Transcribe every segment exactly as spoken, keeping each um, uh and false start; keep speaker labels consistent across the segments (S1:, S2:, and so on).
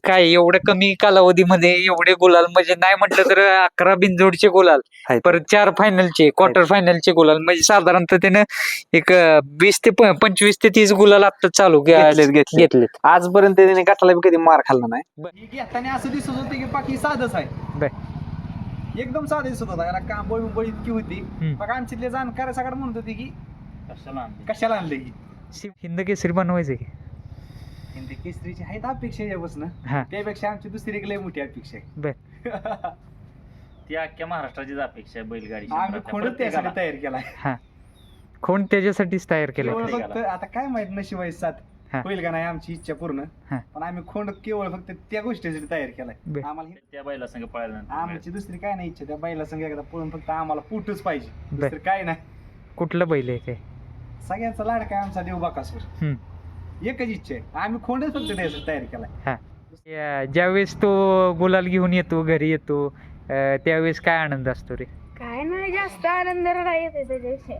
S1: काय एवढ्या कमी कालावधीमध्ये एवढे गुलाल म्हणजे नाही म्हटलं तर अकरा बिनजोडचे गुलाल
S2: आहेत.
S1: परत चार फायनलचे क्वार्टर फायनलचे गुलाल म्हणजे साधारणतः त्यानं एक अं, वीस ते प- पंचवीस ते तीस गुलाल आता चालू
S2: घेतलेत, घेतलेत.
S1: घेतलेत
S2: आजपर्यंत त्याने गटाला बी कधी मार खाल्ला नाही.
S3: ही घेताना असं दिसत होतं की बाकी साधच आहे.
S1: बर.
S3: एकदम साधं दिसत होता. याला कांबळ उंबळ इतकी होती.
S1: हम्म.
S3: मग आमच्यातले जाणकार सगळं म्हणत होते की कशाला आणलं ही
S1: हिंद केसरी बनवायचे की
S3: हिंदी केसरीची आहेत अपेक्षा यापासून
S1: हा
S3: त्यापेक्षा आमची दुसरी एक लय मोठी अपेक्षा आहे.
S1: बर
S4: ती अख्ख्या महाराष्ट्राचीच अपेक्षा आहे बैलगाडी
S3: आम्ही
S4: क्षेत्रातल्या
S3: खोडच त्यासाठी
S4: प्रत्येकाला.
S3: तयार केलाय.
S1: हा कोण त्याच्यासाठीच तयार केलं
S3: केवळ
S4: प्रत्येकाला.
S3: फक्त आता काय माहित नशिबाई साथ
S1: हा.
S3: होईल का नाही आमची इच्छा पूर्ण.
S1: हा.
S3: पण आम्ही खोंड केवळ फक्त त्या गोष्टीसाठी तयार केलाय.
S1: बर.
S3: आम्हाला हे-
S4: त्या बैला संघ पळाल्यानंतर
S3: आमची दुसरी काय नाही इच्छा त्या बैला संग एकदा पळून फक्त आम्हाला पुटच पाहिजे.
S1: बर.
S3: दुसरं काय नाही.
S1: कुठलं बैल आहे काय
S3: सगळ्यांचा लाडका आहे आमचा देव बाकासूर.
S1: हम्म.
S3: एकच इच्छा आहे आम्ही खोंडच फक्त त्यासाठी तयार केलाय.
S1: हा या- ज्यावेळेस तो गुलाल घेऊन येतो घरी येतो अं, त्यावेळेस काय आनंद असतो रे
S5: काय नाही जास्त आनंद येते त्याच्याविषयी.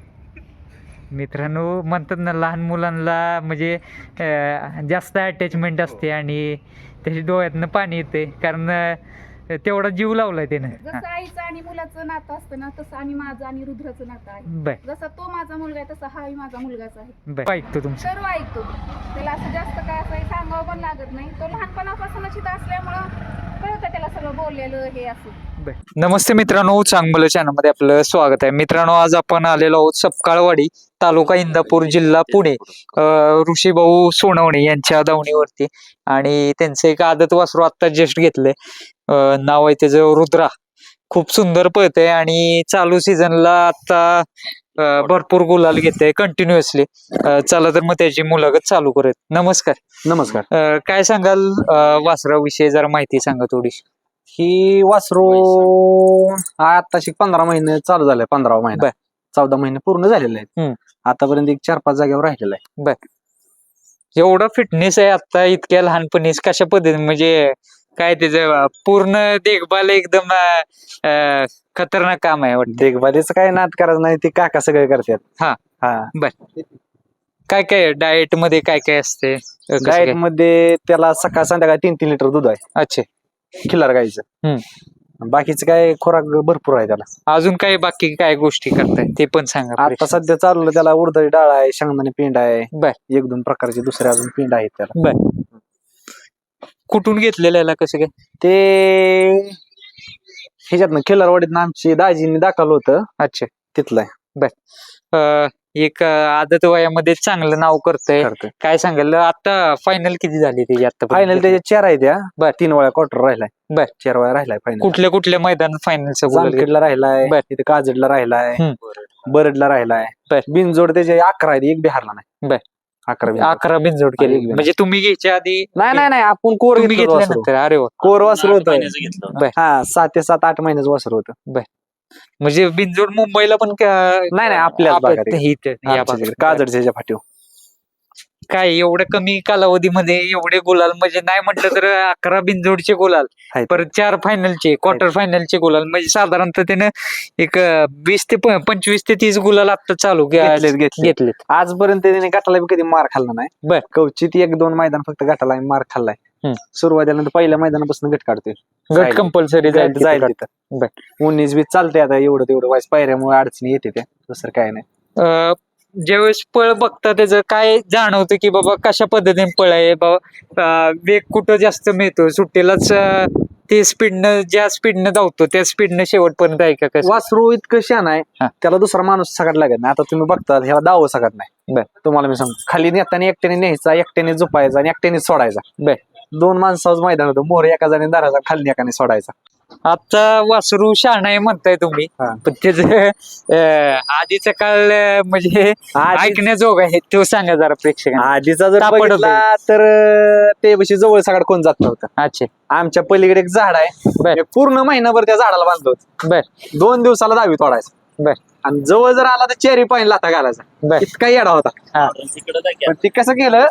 S1: मित्रांनो म्हणतात ना लहान मुलांना म्हणजे अं, जास्त अटॅचमेंट असते आणि त्याच्या डोळ्यातनं पाणी येते कारण अं, तेवढा जीव लावलाय त्यानं हा.
S5: जसं आईचं आणि मुलाचं नातं असतं ना तसं आणि माझं आणि रुद्राचं नातं आहे.
S1: बर
S5: जसा तो माझा मुलगा आहे तसा हाही माझा मुलगाच आहे.
S1: बर ऐकतो तुमचं
S5: सर्व ऐकतो त्याला असं जास्त काय असं सांगावं पण लागत नाही. तो लहानपणापासूनच इथं असल्यामुळं कळतं त्याला सगळं बोललेलं हे असं.
S1: बर. नमस्ते मित्रांनो चांगलं चॅनलमध्ये आपलं स्वागत आहे. मित्रांनो आज आपण आलेलो आहोत सपकाळवाडी तालुका इंदापूर जिल्हा पुणे अं, ऋषीभाऊ सोनवणे यांच्या दावणीवरती आणि त्यांचं एक आदत वासरू आता जस्ट घेतलंय अं, नाव आहे त्याचं रुद्रा. खूप सुंदर पळतंय आणि चालू सीझनला आता अं, भरपूर गुलाल घेतंय कंटिन्युअसली. चला तर मग त्याची मुलाखत चालू करूयात. नमस्कार.
S2: नमस्कार.
S1: अं, काय सांगाल अं, वासराविषयी जरा माहिती सांगा थोडीशी.
S2: ही वासरू आताशी पंधरा महिने चालू झाले. पंधरा महिने
S1: बर.
S2: चौदा महिने पूर्ण झालेले आहेत.
S1: हम्म.
S2: आतापर्यंत एक चार पाच जागेवर राहिलेला आहे.
S1: एवढा फिटनेस आहे आता इतक्या लहानपणीच कशा पद्धतीने म्हणजे काय त्याचं पूर्ण देखभाल एकदम अं, अं, खतरनाक काम आहे वाटतं.
S2: देखभालीचं काय नाद करायचं नाही ते काका सगळे करतात.
S1: हा.
S2: हा
S1: काय काय डाएट मध्ये काय काय असते अं, कसं
S2: डाएट
S1: काय?
S2: मध्ये त्याला सकाळ संध्याकाळ तीन तीन लिटर दूध आहे
S1: अच्छा
S2: खिल्लार गाईचं. बाकीचं काय खुराक भरपूर आहे त्याला.
S1: अजून काय बाकी काय गोष्टी करताय ते पण सांगा
S2: आता
S1: प्रेक्षक.
S2: सध्या चालू त्याला उडदाची डाळ आहे, शेंगदाणे पिंड आहे,
S1: बर
S2: एक दोन प्रकारचे दुसरे अजून पिंड आहेत त्याला.
S1: बर कुठून घेतलेलं याला कसं काय?
S2: ते ह्याच्यातनं खिल्लारवाडीतनं आमची दाजींनी दाखवलं होतं
S1: अच्छा
S2: तिथलं आहे.
S1: अं, एक अं, आदत वयामध्ये चांगलं नाव करतंय.
S2: करतोय.
S1: काय सांगाल आता फायनल किती झाली त्याची आता
S2: फायनल त्याच्या चार आहे त्या.
S1: बर.
S2: तीन वेळा क्वार्टर राहिलाय.
S1: बर.
S2: चार वेळा राहिलाय फायनल.
S1: कुठल्या कुठल्या मैदानात फायनलचा
S2: जामखेडला राहिलाय,
S1: बर.
S2: तिथे काजडला राहिलाय,
S1: हम्म.
S2: बरडला राहिलाय.
S1: बर.
S2: बिनजोड त्याचे अकरा आहेत, एक बी हारला नाही.
S1: बर.
S2: अकरा बिनजोड.
S1: अकरा बिनजोड केली
S2: एक बी
S1: म्हणजे तुम्ही घ्यायच्या आधी
S2: नाही नाही नाही आपण कोर
S1: तुम्ही
S2: घेतलं वासरू.
S1: घेतल्यानंतर अरे वा
S2: कोर वासरू
S4: आठ
S2: होतं.
S4: महिन्याचं घेतलं होतं.
S2: हा सात ते सात आठ महिन्याचं वासरू होतं.
S1: म्हणजे बिनजोड मुंबईला पण का-
S2: नाही नाही आपल्याच
S1: आपल्या-
S2: भागात आहे.
S1: इथं, या
S2: आमच्या
S1: भागात.
S2: तिकडे काजडच्या ह्याच्या फाटीव.
S1: काय एवढ्या कमी कालावधीमध्ये एवढे गुलाल म्हणजे नाही म्हटलं तर अकरा बिनजोडचे गुलाल
S2: आहेत.
S1: परत चार फायनलचे क्वार्टर फायनलचे गुलाल म्हणजे साधारणतः त्यानं एक अं, वीस ते प- पंचवीस ते तीस गुलाल आता चालू
S2: घेतलेत, घेतलेत.
S1: घेतलेत.
S2: आजपर्यंत त्याने गटाला बी कधी मार खाल्ला नाही.
S1: बर.
S2: कवचित एक दोन मैदान फक्त गटाला मार खाल्लाय.
S1: हम्म.
S2: सुरुवातीला नंतर पहिल्या मैदानापासून गट काढतोय.
S1: गट
S2: जाईल.
S1: कंपल्सरी जाईल
S2: गट जाईल
S1: तिथं. बर.
S2: तिथं. उन्नीस बीस चालते आता एवढं तेवढं वाईस पायऱ्यामुळे अडचणी येते त्या. दुसरं काय नाही.
S1: अं, ज्यावेळेस पळ बघता त्याचं काय जाणवतं की बाबा कशा पद्धतीने पळ आहे बाबा अं, वेग कुठं जास्त मिळतो सुट्टीलाच अं, ते स्पीडनं ज्या स्पीडनं धावतो त्या स्पीडनं शेवटपर्यंत आहे का कसं?
S2: वासरू इतकं शान आहे
S1: हा.
S2: त्याला दुसरा माणूस सगळ्यात लागत नाही. आता तुम्ही बघता ह्याला दाव सगळ्यात नाही.
S1: बर.
S2: तुम्हाला मी सांगतो खाली नेताना एकट्याने न्यायचा, एकट्याने झोपायचा आणि एकट्याने सोडायचा.
S1: बर.
S2: दोन माणसाचं मैदान होतं. मोर एका जणी दाराचा, खाली एकाने सोडायचा.
S1: आता वासरू शहाणा आहे म्हणताय तुम्ही
S2: हा.
S1: पण त्याच आधीचा काळ अं, म्हणजे
S2: आधी-
S1: ऐकण्याजोग आहे तो सांगा जरा प्रेक्षकांना.
S2: आधीचा जर
S1: तापड
S2: बघितला तर अं, ते बशी जवळ सगळं कोण जात नव्हतं.
S1: अच्छा
S2: आमच्या पलीकडे एक झाड आहे.
S1: बर.
S2: मी पूर्ण महिनाभर त्या झाडाला बांधलो.
S1: बर
S2: दोन दिवसाला दहावी तोडायचा.
S1: बर
S2: आणि जवळ जर आला तर चेरी पाणी लाथा घालायचा.
S1: बर
S2: इतका येडा होता.
S1: हा
S4: तिकडं जा की.
S2: पण ते कसं केलं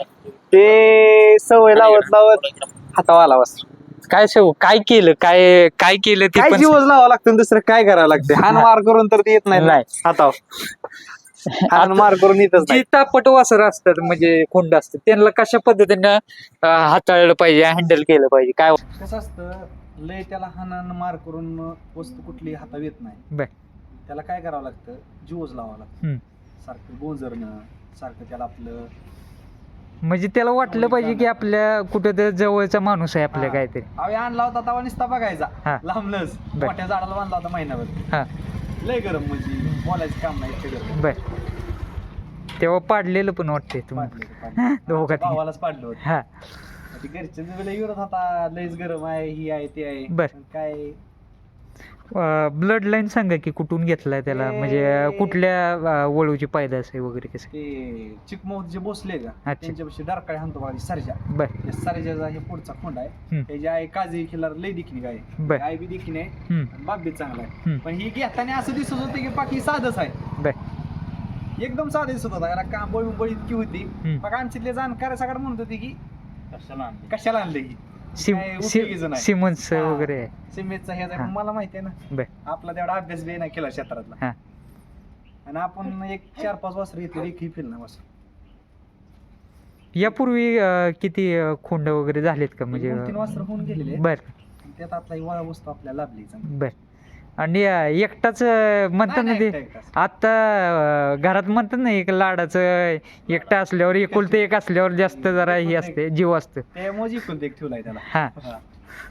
S2: ते सवय लावत लावत हातावा आला वासरू.
S1: काय सव काय केलं काय काय केलं ते
S2: काय
S1: पण
S2: जीवच लावावं लागतं आणि दुसरं काय करावं लागतं. हान मार करून तर ते येत नाही
S1: नाही.
S2: हाताव. हाण मार करून येतच
S1: जी
S2: नाही.
S1: तापट वासर असतात म्हणजे खोंड असतात त्यांना कशा पद्धतीनं अं, हाताळलं पाहिजे हँडल केलं पाहिजे काय
S3: कसं असतं लय त्याला हाणान मार करून वस्तू कुठली हातावर येत नाही.
S1: बर.
S3: त्याला काय करावं लागतं जीवच लावावं
S1: हम्म.
S3: लागतं सारखं गोंजरणं सारखं त्याला आपलं
S1: म्हणजे त्याला वाटलं पाहिजे की आपल्या कुठं तर जवळचा माणूस आहे आपल्या
S3: हा.
S1: काहीतरी
S3: आम्ही आणला होता तवा नुसता
S1: हा.
S3: बघायचा लांबलंच
S1: बर.
S3: मोठ्या झाडाला बांधला होता महिनाभर.
S1: हा
S3: लय गरम म्हणजे बोलायचं काम नाही इतकं गरम.
S1: बर तेव्हा पाडलेलं पण वाटते तुम्ही
S3: पाडलं होतं, पाडलं.
S1: दोघात
S3: आमच्या भावालाच पाडलं होतं.
S1: हा
S3: ते घरचे लय विरोध होता लयच गरम आहे ही आहे ते आहे
S1: बर.
S3: पण काय
S1: ब्लड लाईन सांगा की कुठून घेतलाय त्याला
S3: ते-
S1: म्हणजे कुठल्या अं, वळूची पैदास आहे वगैरे कसं
S3: ते चिकमौत जे बसले का
S1: अच्छा.
S3: त्यांच्यापाशी डारकाळी हाणतो बघा सरजा
S1: बर
S3: त्या सरजाचा हे पुढचा खोंड आहे
S1: हम्म.
S3: त्याची आई काजी खिलार लय दिखणी काय
S1: बर
S3: आई बी दिखणी आहे
S1: हम्म.
S3: आणि बाप बी चांगला आहे
S1: हम्म.
S3: पण ही घेताना असं दिसत होतं की बाकी साधच आहे
S1: बर
S3: एकदम साधं दिसत होता याला कांबळ उंबळ इतकी होती
S1: हम्म.
S3: मग आमच्यातले जाणकार सगळं म्हणत होते की
S4: कशाला आणली
S3: कशाला आणलं ही
S1: सिम
S3: काय उपयोगीचं नाही.
S1: सिमन्स
S3: हा.
S1: वगैरे आहे.
S3: सिमेंटचा हे
S1: हा.
S3: मला माहिती आहे ना
S1: बर
S3: आपला तेवढा अभ्यास बी नाही केला क्षेत्रातला
S1: हा.
S3: आणि आपण एक चार पाच वाजता येतो एकही फिल नाही वाजता
S1: यापूर्वी अं, किती अं, खोंड वगैरे झालेत का म्हणजे
S3: दोन तीन वाजता होऊन गेलेले
S1: बर
S3: आणि त्यात आपला ही वळा वस्तू आपल्याला लाभली चांगली.
S1: बर आणि अं, एकटाच अं, म्हणतात ना
S3: नाही,
S1: ते
S3: नाही, एकटा एकटाच.
S1: आता अं, घरात म्हणतात ना एक लाडाचं एकटा असल्यावर एकुलतं एक असल्यावर जास्त जरा हे असते जीव असतं
S3: त्यामुळे जिंकून एक ठेवलाय त्याला
S1: हा
S3: हा.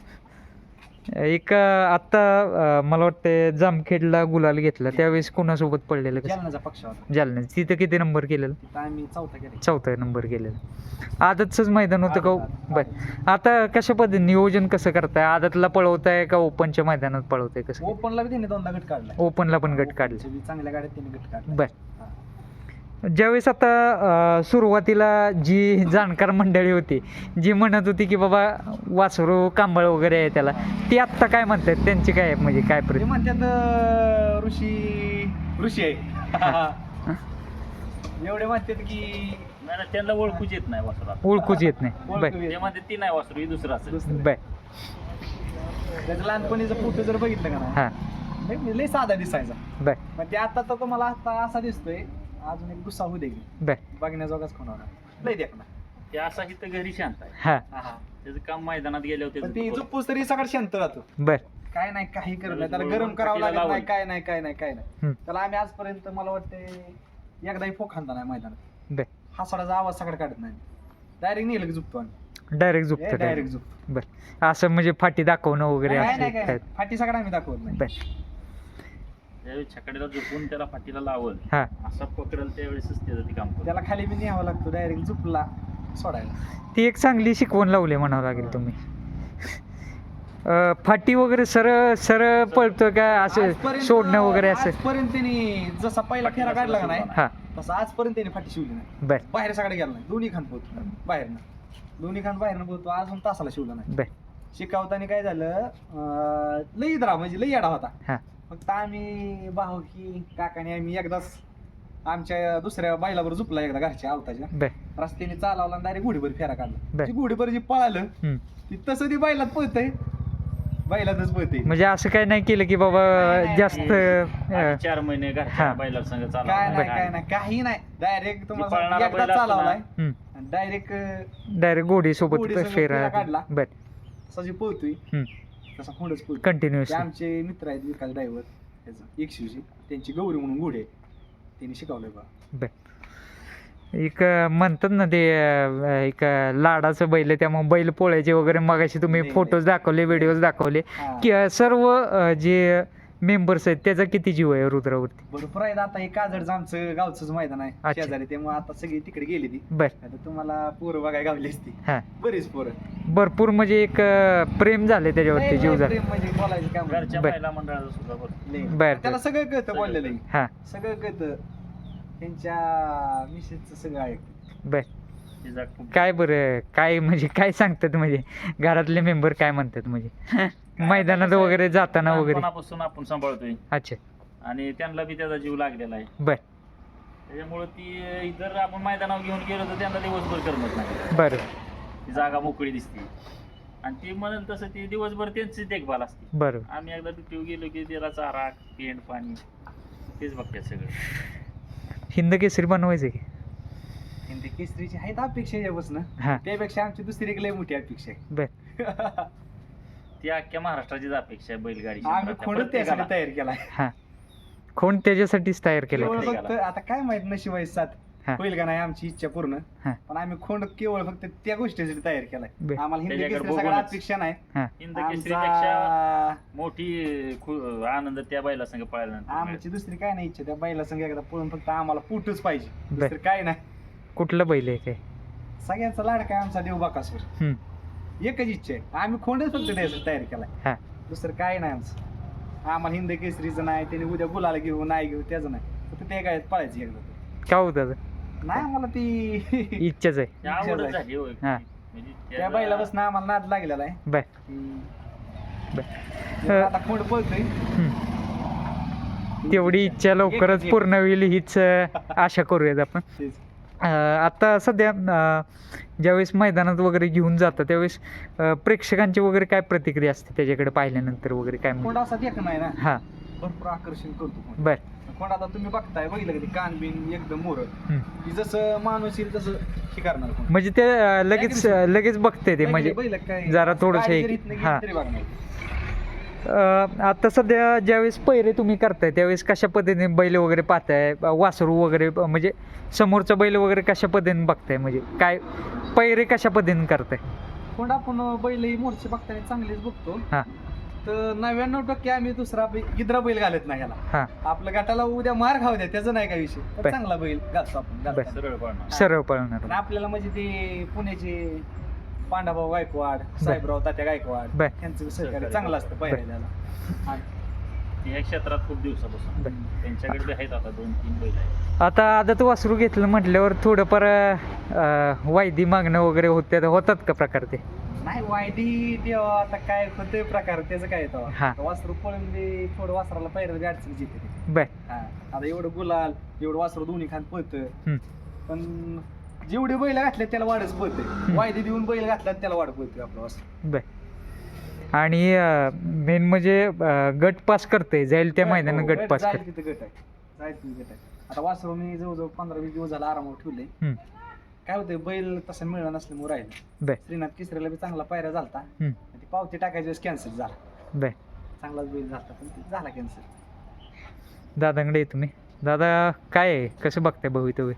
S1: एक अं, आता अं, मला वाटतं जामखेडला गुलाल घेतला त्यावेळेस कोणासोबत पडलेलं कसं
S3: जालन्याचा पक्ष होता
S1: जालना तिथं किती नंबर केलेलं
S3: तिथं आम्ही चौथा केला
S1: चौथा नंबर केलेलं आदतच मैदान होतं का
S3: आदत,
S1: बर आता कशा पद्धतीने नियोजन कसं करताय आदतला पळवताय का ओपनच्या मैदानात पळवताय कसं
S3: ओपनला बी त्याने दोनदा गट काढला
S1: ओपनला पण गट काढले
S3: ओपनच्या बी चांगल्या गाड्यात त्याने गट काढला
S1: बर ज्यावेळेस आता अं, सुरुवातीला जी जाणकार मंडळी होती जी म्हणत होती की बाबा वासरू कांबळ वगैरे आहे त्याला ती आत्ता काय म्हणतात त्यांची काय म्हणजे काय
S3: ते
S1: प्रति
S3: म्हणतात अं, ऋषी ऋषी आहे एवढे म्हणतात की
S4: नाही ना, त्यांना ओळखूच येत नाही वासरात.
S1: ओळखूच येत नाही बर
S3: ओळखू येत.
S4: ते म्हणते ती नाही वासरू ही दुसरं असेल.
S3: दुसरं.
S1: बर
S3: त्याचं लहानपणीचं फोटो जर बघितलं का
S1: हा
S3: ना लय- लय साधा दिसायचा
S1: बर
S3: पण ते आता तर तुम्हाला आता असा दिसतोय अजून एक गुस्सा होऊ दे की.
S1: बर
S3: बघण्याजोगाच कोण होणार लय देखना
S4: ते असा इथं घरी शांत आहे
S1: हा
S4: त्याचं काम मैदानात गेल्यावर
S3: पण ती
S4: त्याचं
S3: झोपूस तरी सगळं शांत राहतो
S1: बर
S3: काय नाही काही करत नाही त्याला
S4: बरोबर
S3: गरम करावं
S4: पाठीला
S3: लागत नाही
S4: लावलं.
S3: काय नाही काय नाही काय नाही
S1: हम्म.
S3: त्याला आम्ही आजपर्यंत मला वाटतं एकदाही फोक खांदा नाही मैदानात
S1: बर
S3: हसाडाचा आवाज सगळं काढत नाही डायरेक्ट नेलं की झुकतो आम्ही
S1: डायरेक्ट झोपतं
S3: डायरेक्ट झुकतो
S1: बर असं म्हणजे फाटी दाखवणं वगैरे
S3: नाही
S1: असं
S3: नाही काय
S1: काय
S3: नाही. फाटी सगळं आम्ही दाखवत नाही
S1: बर
S4: ज्यावेळेस छकड्याला झोपून त्याला फाटीला लावल
S1: हा
S4: असा पकडेल त्यावेळेसच त्याचं ते काम करतं.
S3: त्याला खाली बी न्यावं लागतो डायरेक्ट झुपला सोडायला
S1: ती एक चांगली शिकवण लावली म्हणावं लागेल तुम्ही अं, फाटी वगैरे सरळ सरळ पळतो का असं
S3: आजपर्यंत-
S1: सोडणं वगैरे असं
S3: आजपर्यंत त्यांनी जसा पहिला फेरा काढला का नाही
S1: हा
S3: तसा आजपर्यंत त्यांनी फाटी शिवली नाही
S1: बर
S3: बाहेर सगळं गेला नाही दोन्ही खान पोहतो बाहेरनं दोन्ही खान बाहेरनं पोहतो अजून तासाला शिवला नाही
S1: बर
S3: शिकवताना काय झालं अं, लई इदरा म्हणजे लई येडा होता
S1: हा
S3: फक्त आम्ही भाऊ की काकाने आम्ही एकदाच आमच्या दुसऱ्या बैलावर झुपला एकदा घरच्या आवताच्या
S1: बर
S3: रस्त्याने चालवला आणि डायरेक्ट घोडीभर फेरा काढला
S1: बर.
S3: ती घोडीभर जी पळालं
S1: हम्म.
S3: ती तसं ती बैलात पळतंय बैलातच पळतंय
S1: म्हणजे असं काय नाही केलं की बाबा
S3: नाही, नाही,
S1: जास्त
S4: आधी
S1: अं,
S4: चार महिने
S1: हा.
S4: घरच्या बैला संघ
S3: काय
S4: चालवा
S3: नाही काय नाही काही नाही डायरेक्ट तुम्हाला
S4: पळणारा
S3: सांगतो, एकदा
S4: बैल असतो ना,
S3: चालवलाय
S1: हम्म.
S3: डायरेक्ट
S1: डायरेक्ट गोडी सोबत
S3: गोडीसोबत
S1: फेरा
S3: फेरा काढला.
S1: बर
S3: तसा जी पळतोय
S1: हम्म.
S3: तसा खोंडच पळतोय
S1: कंटिन्युअस
S3: ते आमचे मित्र आहेत विकास ड्रायव्हर त्याचा एकशेची त्यांची गौरी म्हणून घोडे आहे. त्यांनी शिकवलंय बा
S1: बर एक अं, म्हणतात ना ते अं, एक अं, लाडाचं बैल आहे, त्यामुळे बैल पोळ्याचे वगैरे मगाशी तुम्ही
S3: नाही,
S1: फोटोज दाखवले व्हिडिओज दाखवले
S3: हा.
S1: की अं, सर्व अं, जे मेंबर्स आहेत त्याचा किती जीव आहे रुद्रावरती
S3: भरपूर आहेत आता हे काजडचं आमचं गावचंच मैदान आहे
S1: अच्छा.
S3: शेजारी त्यामुळे आता सगळी तिकडे गेली ती
S1: बर
S3: आता तुम्हाला पोरं बघायला गावली असती
S1: हा
S3: बरीच पोरं
S1: भरपूर म्हणजे एक अं, प्रेम झाले त्याच्यावरती
S3: लय-
S1: जीव
S3: लय
S1: झाला
S3: प्रेम म्हणजे बोलायचं काम नाही.
S4: घरच्या
S1: बर.
S4: महिला मंडळाचं सुद्धा बरं
S3: लय.
S1: बर,
S3: त्याला
S1: बर.
S3: सगळं कळतं बोललेलं आहे.
S1: हा
S3: सगळं कळतं त्यांच्या मिसेसचं सगळं आहे
S1: बर
S4: तिचा खूप
S1: काय बरं काय म्हणजे काय सांगतात म्हणजे घरातले मेंबर काय म्हणतात म्हणजे मैदानात वगैरे जाताना वगैरे
S4: लहानपणापासून आपण सांभाळतोय
S1: अच्छा
S4: आणि त्यांना बी त्याचा जीव लागलेला आहे
S1: बर
S4: त्याच्यामुळे ती जर आपण मैदानावर घेऊन गेलो तर त्यांना दिवसभर करमत नाही
S1: बरं
S4: ती जागा मोकळी दिसते आणि ती म्हणेल तसं ती दिवसभर त्यांची देखभाल असते
S1: बरं
S4: आम्ही एकदा ड्युटीवर गेलो की त्याला चारा पेंड पाणी तेच बघतात सगळं
S1: हिंद केसरी बनवायचं की
S3: हिंदी केसरीची आहेत अपेक्षा यापासून
S1: हा
S3: त्यापेक्षा आमची दुसरी एक लय मोठी अपेक्षा आहे
S1: बर
S4: ती अख्ख्या महाराष्ट्राचीच अपेक्षा आहे बैलगाडी
S3: आम्ही
S4: क्षेत्रातल्या
S3: खोडच त्यासाठी
S4: प्रत्येकाला.
S3: तयार केलाय
S1: हा कोण त्याच्यासाठीच तयार केलं
S3: केवळ
S4: केलं.
S3: फक्त आता काय माहित नशिबाई साथ
S1: हा.
S3: होईल का नाही आमची इच्छा पूर्ण
S1: हा.
S3: पण आम्ही खोंड केवळ फक्त त्या गोष्टीसाठी तयार केलाय
S1: बर.
S3: आम्हाला हिंदी
S4: त्याच्याकडे
S3: केसरी सगळ्या
S4: बघूनच.
S3: अपेक्षा नाही
S4: हिंद केसरीपेक्षा
S3: आमचा-
S4: मोठी खु- आनंद त्या बैला संग पळाल्यानंतर मिळेल.
S3: आमची दुसरी काय नाही इच्छा त्या बैला संग एकदा पळून फक्त आम्हाला पुटच पाहिजे
S1: बर.
S3: दुसरं काय नाही
S1: कुठलं बैल आहे काय
S3: सगळ्यांचा लाडका आहे आमचा देव बाकासूर
S1: हम्म.
S3: एकच इच्छा आहे आम्ही खोंडच फक्त त्यासाठी तयार केलाय
S1: हा
S3: दुसरं काय नाही आमचं आम्हाला हिंद केसरीचं नाही त्याने उद्या गुलाला घेऊ नाही घेऊ त्याचं नाही फक्त ते काय पळायचं एकदा
S1: काय होतं
S3: नाही आम्हाला ती
S1: इच्छाच आहे
S4: ती आवडच झाली होय.
S1: हा.
S4: म्हणजे
S3: त्या
S4: त्याला-
S3: बैला बसणं आम्हाला नाद लागलेला आहे
S1: बर
S3: की
S1: बर.
S3: जर आता खोंड पळतोय
S1: हम्म. तेवढी इच्छा लवकरच
S3: एक-
S1: पूर्ण होईल हीच अं, आशा करूयात आपण
S3: तेच.
S1: अं, आता सध्या अं, ज्यावेळेस मैदानात वगैरे घेऊन जातं त्यावेळेस अं, प्रेक्षकांची वगैरे काय प्रतिक्रिया असते त्याच्याकडे पाहिल्यानंतर वगैरे काय
S3: खोंड
S1: म्हणतात?
S3: असा देख नाही ना
S1: हा
S3: भरपूर आकर्षण करतो खोंड.
S1: बर
S3: खोंड आता तुम्ही बघताय बघितलं कधी कान बिन एकदम मोर
S1: हम्म.
S3: की जसं माणूस येईल तसं शिकारणार खोंड.
S1: म्हणजे ते अं, लगेच लगेच बघते ते म्हणजे
S3: बैल काय-
S1: जरा थोडंसं
S3: गाडी
S1: एक-
S3: जरी इथनं गेली
S1: हा.
S3: तरी बघणार.
S1: अं, आता सध्या ज्यावेळेस पैरे तुम्ही करताय त्यावेळेस कशा पद्धतीने बैल वगैरे पाहताय ब- वासरू वगैरे ब- म्हणजे समोरचा बैल वगैरे कशा पद्धतीने बघताय म्हणजे काय पैरे कशा पद्धतीने करताय
S3: खोंड आपण बैल ही मोर्चे बघताना चांगलेच बघतो
S1: हा
S3: तर नव्याण्णव टक्के आम्ही दुसरा बै- गिद्रा बैल घालत नाही याला
S1: हा
S3: आपलं गटाला उद्या मार खाऊ द्या त्याचं नाही काय विषय पण
S1: बर.
S3: चांगला बैल घालतो आपण घालताना.
S4: सरळ पळणार.
S1: सरळ पळणार
S3: आणि आपल्याला म्हणजे ते पुण्याचे पांडाभाऊ गायकवाड साहेबराव तात्या गायकवाड
S1: बर.
S3: यांचं सहकार्य चांगलं असतं पहिल्याला
S4: ती या क्षेत्रात खूप दिवसापासून
S1: बर.
S4: त्यांच्याकडे बी आहेत आता दोन तीन बैल आहेत.
S1: आता आदत वासरू घेतलं म्हटल्यावर थोडंफार अं, वायदी मागणं वगैरे होते होतात का प्रकार ते
S3: नाही वायदी ते आता काय होते प्रकार त्याचं काय
S1: हा.
S3: येतं वासरू पळून दे थोडं वासराला पहिलं गाडचं जिथे ते.
S1: बर
S3: हा आता एवढं गुलाल एवढं वासरू दोन्ही खान पळतं
S1: हम्म.
S3: पण जेवढे बैल घातले त्याला वाढच पळते वायदी देऊन बैल घातला त्याला वाढ पळते आपलं वासरू
S1: बर आणि मेन म्हणजे अं, गट पास करते जाईल त्या मैदानात
S3: हो,
S1: गट पास
S3: जाईल
S1: करते
S3: तिथं गट आहे जाईल तिथं गट आहे आता वासरू मी जवळजवळ पंधरा वीस दिवस झाला आरामावर ठेवले
S1: हम्म.
S3: काय होतंय बैल तसं मिळणार नसल्यामुळे राहिलं
S1: बर
S3: श्रीनाथ किसऱ्याला बी चांगला पायऱ्या झालता
S1: हम्म.
S3: ती पावती टाकायची कॅन्सल झाला
S1: बर
S3: चांगलाच बैल झाला पण ते झाला कॅन्सल
S1: दादांकडे आहे तुम्ही दादा काय आहे कसं बघताय भवितव्य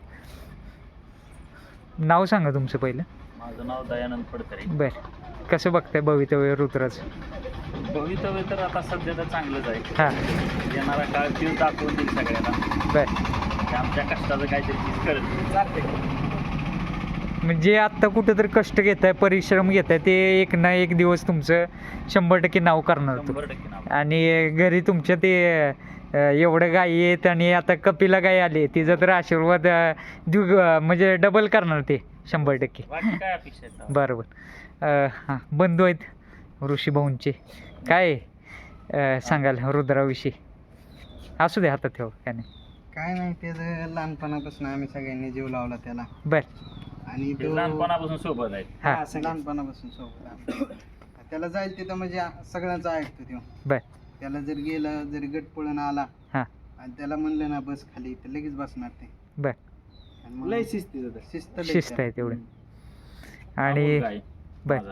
S1: नाव सांगा तुमचं पहिलं
S4: माझं नाव दयानंद फडतरे.
S1: बर कसं बघताय भवितव्य रुद्राचं
S4: भवितव्य तर आता सध्या तर चांगलंच आहे.
S1: हा
S4: येणारा काळ तीच दाखवून देईल सगळ्यांना
S1: बर
S4: की आमच्या कष्टाचं काहीतरी चीज करत.
S3: चालते
S1: म्हणजे आत्ता कुठं तर कष्ट घेताय परिश्रम घेताय ते एक ना एक दिवस तुमचं शंभर टक्के नाव करणार तो
S4: शंभर टक्के नाव.
S1: आणि घरी तुमच्या ते अं, एवढं गायी आहेत आणि आता कपिला गाय आली तिचा तर आशीर्वाद अं, देऊ अं, म्हणजे डबल करणार ते शंभर टक्के
S4: बाकी काय अपेक्षा आहेत?
S1: बरोबर अं, हां बंधू आहेत ऋषीभाऊंचे काय अं, सांगाल रुद्राविषयी असू दे हातात ठेव काय नाही
S2: काय नाही त्याचं लहानपणापासून आम्ही सगळ्यांनी जीव लावला त्याला
S1: बर
S2: आणि
S4: ते
S2: तो
S4: लहानपणापासून सोबत आहेत.
S1: हां
S3: हा, सांगा.
S2: लहानपणापासून सोबत आहे. त्याला जाईल तिथं म्हणजे सगळ्यांचं ऐकतो तो
S1: बर
S2: त्याला जर गेला जरी गट पळून आला
S1: हां
S2: आणि त्याला म्हणलं ना बस खाली तर लगेच बसणार ते
S1: बर
S2: आणि मग
S3: लय शिस्तीचं तर.
S2: शिस्त लय
S1: शिस्त आहे
S2: त्याला.
S1: तेवढं आणि
S4: अमोल गाय
S1: बर.
S4: माझा.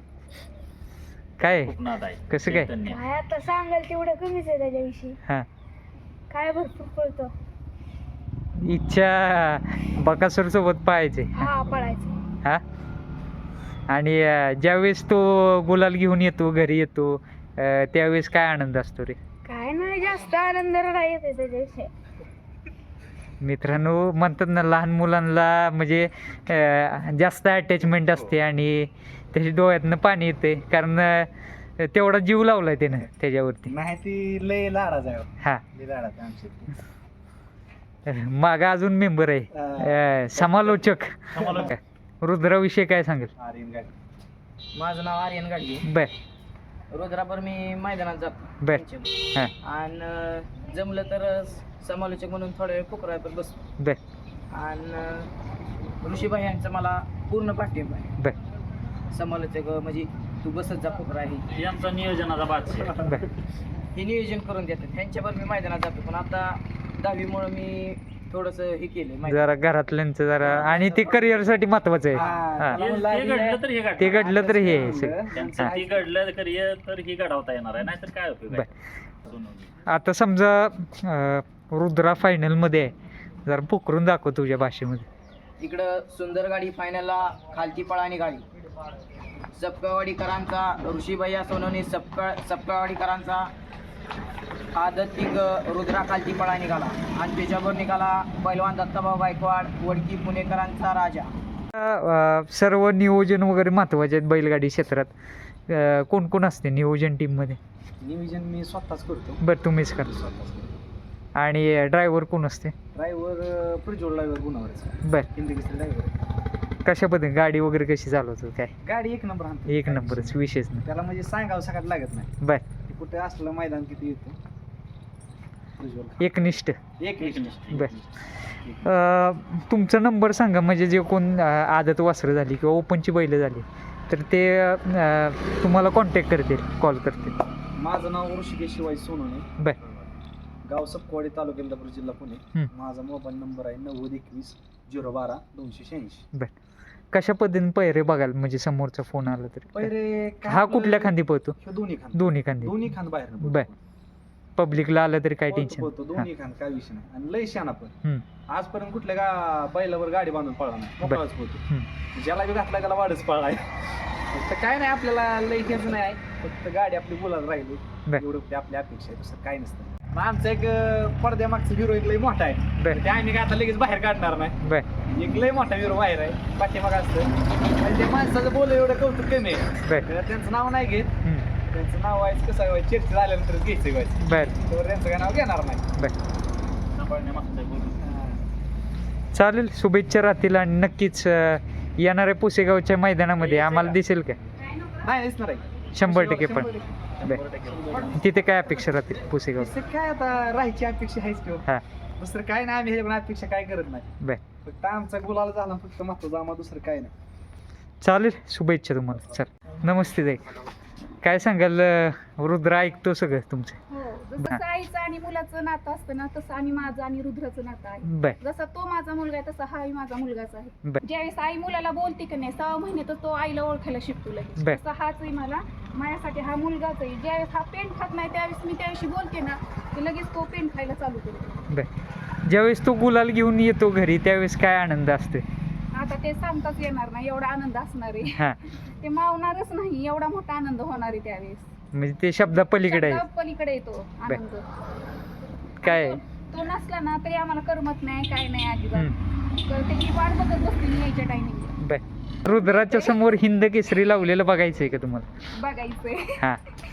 S1: काय
S4: खूप नाद आहे.
S1: कसं काय?
S4: चैतन्य.
S5: काय आता सांगाल तेवढं कमीच आहे त्याच्याविषयी
S1: हां
S5: काय भरपूर पळतो
S1: इच्छा बकासूर सोबत पाहायचे
S5: हा पळायचं
S1: हा आणि अं, ज्यावेळेस तो गुलाल घेऊन येतो घरी येतो अं, त्यावेळेस काय आनंद असतो रे
S5: काय नाही जास्त आनंद रडा येते त्याच्याविषयी
S1: मित्रांनो म्हणतात ना लहान मुलांना म्हणजे अं, जास्त अटॅचमेंट असते आणि त्याच्या डोळ्यातनं पाणी येते कारण अं, तेवढा जीव लावलाय त्यानं त्याच्यावरती
S3: नाही ती लय लाडाच आहे हो.
S1: हा
S3: लय लाडाच आहे आमची
S1: मागा अजून मेंबर आहे अं, समालोचक रुद्राविषयी काय सांगेल
S3: आर्यन गाडी
S6: माझं नाव आर्यन गाडगे
S1: बर
S6: रोजरापर मी मैदानात जातो
S1: बर
S6: त्यांच्या.
S1: हां
S6: आणि जमलं तर समालोचक म्हणून थोडा वेळ पुकरायपर बसतो
S1: बर
S6: आणि ऋषीभाई यांचा मला पूर्ण पाठिंबा आहे
S1: बर
S6: समालोचक म्हणजे तू बसत जा पुकरा हे
S4: हे आमचा नियोजनाचा बादशाह आहे.
S1: बर
S6: हे नियोजन करून देतात त्यांच्यावर मी मैदानात जातो पण आता दहावीमुळं मी थोडस हे केलंय माहिती.
S1: जरा घरातल्यांचं जरा आणि ते करिअर साठी महत्वाचं आहे
S3: हा,
S1: हा.
S3: त्याला
S4: ते
S3: म्हणलं
S4: ते
S3: आधी
S4: घडलं तर हे
S1: ते
S4: घडलं
S1: घडलं तर हे
S3: म्हणलं,
S4: त्यांचं
S3: त्यांचं
S4: ते घडलं करिअर तर हे घडवता येणार आहे नाहीतर काय उपयोग आहे सोनवणे.
S1: आता समजा अं, रुद्रा फायनल मध्ये आहे जरा पुकरून दाखव तुझ्या भाषेमध्ये.
S6: इकडं सुंदर गाडी फायनलला खालची पळाणी गाडी सपकावाडीकरांचा ऋषीभैया सोनवणे सपका सपकावाडीकरांचा आदत तिघ रुद्रा खालची पळा निघाला आणि त्याच्यावर निघाला पैलवान दत्ताभाऊ गायकवाड वडकी पुणेकरांचा राजा.
S1: अं, सर्व नियोजन वगैरे महत्वाचे आहेत बैलगाडी क्षेत्रात. अं, कोण कोण असते नियोजन टीम मध्ये?
S3: नियोजन मी स्वतःच करतो
S1: बरं तुम्हीच करा.
S3: स्वतःच करतो.
S1: आणि ड्रायव्हर कोण असते?
S3: ड्रायव्हर प्रज्वल ड्रायव्हर गुणावरचा
S1: बर
S3: हिंदी किस्ती ड्रायव्हर.
S1: कशा पद्धतीने गाडी वगैरे कशी चालवतो काय?
S3: गाडी एक नंबर आणतो.
S1: एक नंबरच विशेष नाही.
S3: त्याला म्हणजे सांगावं सगळ्यात लागत नाही.
S1: बर
S3: ते कुठे असलं मैदान किती येतं प्रज्वल
S1: एकनिष्ठ.
S3: एक
S4: एक
S3: एक
S4: निष्ठ.
S1: बर अं, तुमचा नंबर सांगा म्हणजे जे कोण अं, आदत वासरं झाली किंवा ओपनची बैलं झाली तर ते अं, तुम्हाला कॉन्टॅक्ट करतील कॉल करतील.
S3: माझं नाव ऋषिकेश शिवाजी सोनवणे,
S1: बर
S3: गाव सपकवाडी, तालुका इंदापूर, जिल्हा पुणे.
S1: हम्म.
S3: माझा मोबाईल नंबर आहे नव्वद एकवीस झिरो बारा दोनशे शहाऐंशी.
S1: कशा पद्धतीने पैरे बघायला म्हणजे समोरचा फोन आला तरी
S3: पहिले काय
S1: हा
S3: आपलं-
S1: कुठल्या खांदी पळतो?
S3: ह्यो दोन्ही खांद
S1: दोन्ही खांदी.
S3: दोन्ही खांद बाहेर
S1: बर. पब्लिकला आलं तरी काय टेन्शन?
S3: होतो दोन्ही खांद काय विषय नाही आणि लय शाना पण
S1: हम्म.
S3: आजपर्यंत कुठल्या का बैलावर गाडी बांधून पळला नाही मोकळाच होतो. ज्याला बी घातला त्याला वाढच पळाय. फक्त काय नाही आपल्याला लय घ्यायचं नाही आहे. फक्त गाडी आपली बोलायला राहिली
S1: बर.
S3: एवढं ते आपली अपेक्षा आहे दुसरं काय नसतं. मग आमचा एक अं, पडद्यामागचा हिरो एक लय मोठा आहे
S1: बर
S3: ते आम्ही काय आता लगेच बाहेर काढणार नाही.
S1: बर
S3: एक लय मोठा हिरो बाहेर आहे पाठीमाग असतं आणि ते माणसाचं बोल एवढं कौतुक कमी आहे.
S1: बर
S3: तर त्यांचं नाव नाही घेत.
S1: हम्म.
S3: त्यांचं नाव व्हायचं कसं व्हायचं चर्चा झाल्यानंतर घ्यायचं व्हायचं
S1: बर
S3: तर त्यांचं काय नाव घेणार नाही.
S1: बर
S4: सांभाळण्यामागचं आहे बोलू.
S1: चालेल शुभेच्छा राहतील आणि नक्कीच अं, येणाऱ्या पुसेगावच्या मैदानामध्ये आम्हाला दिसेल का?
S3: नाही दिसणार आहे
S1: शंभर टक्के पण
S3: शंभर
S1: बर
S3: टक्के.
S1: तिथे काय अपेक्षा राहतील पुसेगाव?
S3: दुसरं काय आता राहायची अपेक्षा आहेच किंवा
S1: हा
S3: दुसरं काय नाही आम्ही ह्याच्याकडून अपेक्षा काय करत नाही.
S1: बर
S3: फक्त आमचा गुलाल झाला फक्त महत्वाचा आम्हाला दुसरं काय नाही.
S1: चालेल शुभेच्छा तुम्हाला. चल नमस्ते ताई. काय सांगाल अं, रुद्र ऐकतो सगळं तुमचं?
S5: हो जसं आईचं आणि मुलाचं नातं असतं ना तसं आणि माझं आणि रुद्राचं नातं आहे.
S1: बर
S5: जसा तो माझा मुलगा आहे तसा हाही माझा मुलगाच आहे.
S1: बर
S5: ज्यावेळेस आई मुलाला बोलते की नाही सहा महिन्यातच तो आईला ओळखायला शिकतो लगेच.
S1: बर.
S5: तसा हाच आहे मला माझ्यासाठी हा मुलगाच आहे. ज्यावेळेस हा पेन खात नाही त्यावेळेस मी त्याविषयी बोलते ना की लगेच तो पेन खायला चालू करतो.
S1: बर ज्यावेळेस तो गुलाल घेऊन येतो घरी त्यावेळेस काय आनंद असतो?
S5: आता ते सांगताच येणार नाही एवढा आनंद असणार आहे.
S1: हा
S5: ते मावणारच नाही एवढा मोठा आनंद होणार आहे त्यावेळेस.
S1: म्हणजे ते शब्दा पलीकडे आहे.
S5: शब्दा पलीकडे येतो आनंद.
S1: काय
S5: तो- तो नसला ना तरी आम्हाला करमत नाही काय नाही अजिबात.
S1: हम्म.
S5: तर त्याची वाट बघत बसते मी यायच्या टायमिंगला
S1: बर रुद्राच्या समोर हिंद केसरी लावलेलं बघायचंय का तुम्हाला?
S5: बघायचंय.
S1: हा